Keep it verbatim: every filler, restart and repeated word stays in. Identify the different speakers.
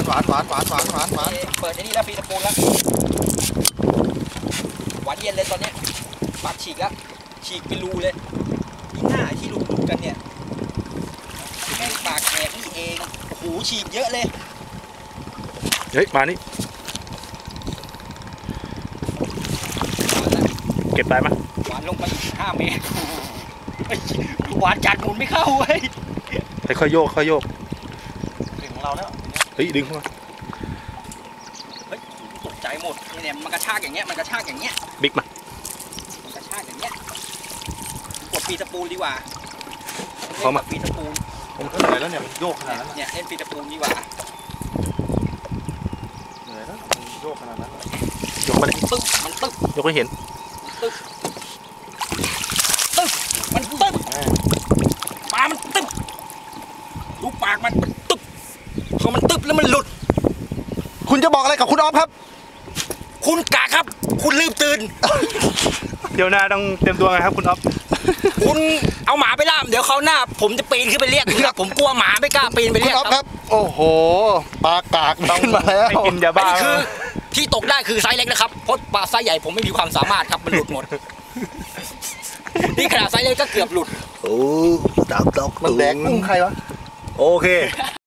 Speaker 1: หวานหวานหวานหวานหวานหวาน
Speaker 2: เปิดไอ้นี่แล้วฟีตะปูนแล้วหวานเย็นเลยตอนเนี้ยปากฉีกแล้วฉีกเป็นรูเลยที่หน้าที่รูๆกันเนี่ยแม่งปากแหกนี่เองโอ้โหฉีกเยอะเลย
Speaker 3: เฮ้ยมานี่เก็บได้ไหม
Speaker 2: หวานลงไปอีกห้าเมตรหวานจัดหมุนไม่เข้าเว้ย
Speaker 3: แต่ค่อยโยกค่อยโยก
Speaker 1: ถึงของเราแล้ว
Speaker 3: เฮ้ยดึงเข้ามา
Speaker 2: เฮ้ยตกใจหมดนี่เนี่ยมันกระชากอย่างเงี้ยมันกระชากอย่างเงี้ย
Speaker 3: บิ๊กมา
Speaker 2: มันกระชากอย่างเงี้ยกดปีตะปูดีกว่า
Speaker 3: เขามา
Speaker 2: ปีตะปู
Speaker 1: ผมก็เหนื่อยแล้วเนี่ยมันโยกขนาดนั้น
Speaker 2: เนี่ยเล่นปีตะปูดีกว่า
Speaker 1: เหนื่อยแล้วมันโยกขนาดนั้น
Speaker 3: ยกมาเลย
Speaker 2: ตึ๊บมันตึ๊บ
Speaker 3: ยกให้เห็น
Speaker 2: ตึ๊บตึ๊บมันตึ๊บปลามันตึ๊บดูปากมันตึ๊บพอมันตึ๊บแล้วมันหลุด
Speaker 1: คุณจะบอกอะไรกับคุณออฟครับ
Speaker 2: คุณกะครับคุณลืมตื่น
Speaker 3: เดี๋ยวหน้าต้องเตรียมตัวไงครับคุณออฟ
Speaker 2: คุณเอาหมาไปล่ามเดี๋ยวเขาหน้าผมจะปีนขึ้นไปเรียกครับผมกลัวหมาไม่กล้าปีนไปเรียก
Speaker 1: ครับโอ้โหปลากากต้องมาแล้ว
Speaker 3: ไม่กินยาบ้า
Speaker 2: คือที่ตกได้คือไซส์เล็กนะครับเพราะปลาไซส์ใหญ่ผมไม่มีความสามารถครับมันหลุดหมดนี่ขนาดไซส์เล็กก็เกือบหลุด
Speaker 3: โอ้ตกตก
Speaker 1: มันแดกกุ้งใครวะ
Speaker 3: โอเค